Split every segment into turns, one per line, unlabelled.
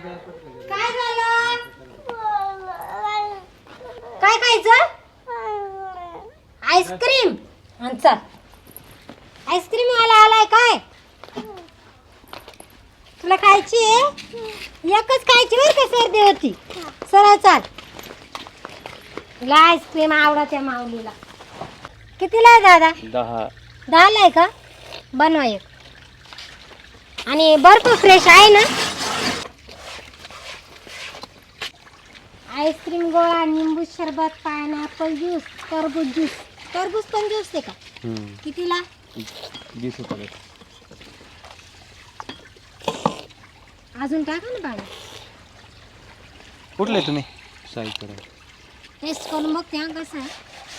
काय झालं? काय खायचं? आईस्क्रीम. चल, आईस्क्रीम वाला आलाय काय? तुला खायची आहे? एकच खायची बरं का, सर्दी होती. सरळ चाल. तुला आईस्क्रीम आवडते माऊलीला. कितीला आहे दादा? 10ला आहे का? बनवा एक. आणि बर्फ फ्रेश आहे ना? आईस्क्रीम, गोळा, निंबू सरबत, पायनॅपल ज्यूस, टरबूज ज्यूस. टरबूज पण ज्यूस आहे का? कितीला?
20 रुपये.
अजून टाका ना पाणी.
कुठले तुम्ही? साईकडे.
टेस्ट करून बघते हा कसं आहे.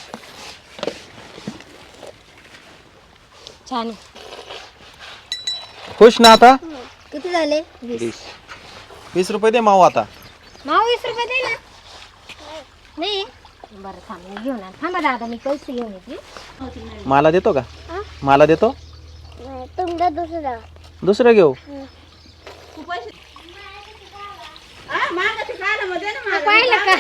छान आहे.
खुश ना आता?
किती झाले?
20 रुपये दे माऊ आता.
माऊ 20 रुपये दे ना. नाही बरं थांब, मी घेऊन आण. थांबा दादा, मी पैसे घेऊन येते.
मला देतो का? मला देतो?
तुमचा
दुसरं घेऊ.
पाहिलं का?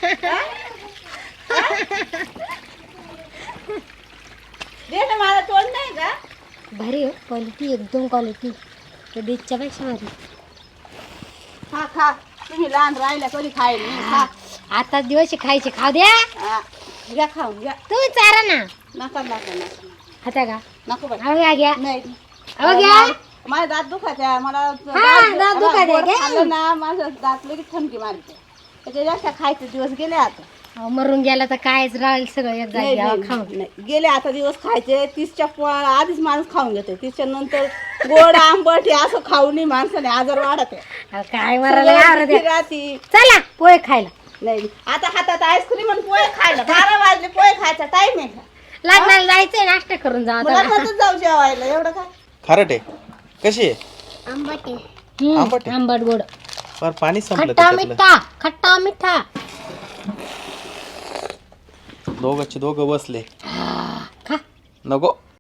मला तोंड नाही का?
भारी हो क्वालिटी, एकदम क्वालिटी. कधीच्या पेक्षा भारी.
खा खा, तुम्ही लहान राहिल्या कधी खायला नाही. खा.
आता दिवस खायचे, खाऊ द्या.
घ्या खाऊन घ्या.
तुम्ही चारा ना.
नका नका नका
खाता का?
नको बाई.
अहो घ्या घ्या.
नाही
अहो घ्या.
माझे दात दुखायचे. मला
दात दुखायचे,
गोड
घ्या.
खाल्लं ना माझं दात लगेच थमकी मारते. त्याच्या जास्त खायचे दिवस गेले आता.
अहो मरून गेला तर कायच राहील, सगळं एक
नाही,
जागी
नाही,
खाऊन.
नाही. गेले आता दिवस खायचे. 30च्या आधीच माणूस खाऊन घेते. 30च्या नंतर गोड आंबट हे असं खाऊन माणसाने आजार वाढत आहे.
अहो, काय मरायला आवडत आहे.
राहती.
चला पोहे खायला.
नाही आता हातात आईस्क्रीम आणि पोहे खायला. 12 वाजले, पोहे खायचा टाइम आहे का?
लग्नाला जायचंय, नाश्ता करून जा.
मला नंतर जाऊ जेवायला. एवढं काय
खारट आहे. कशी आहे?
आंबट
आंबट आहे.
आंबट गोड.
पर पाणी संपलं
खट्टा
त्याच्यातलं.
मिठा, खट्टा मिठा.
दोघं बसले.
खा.
नको.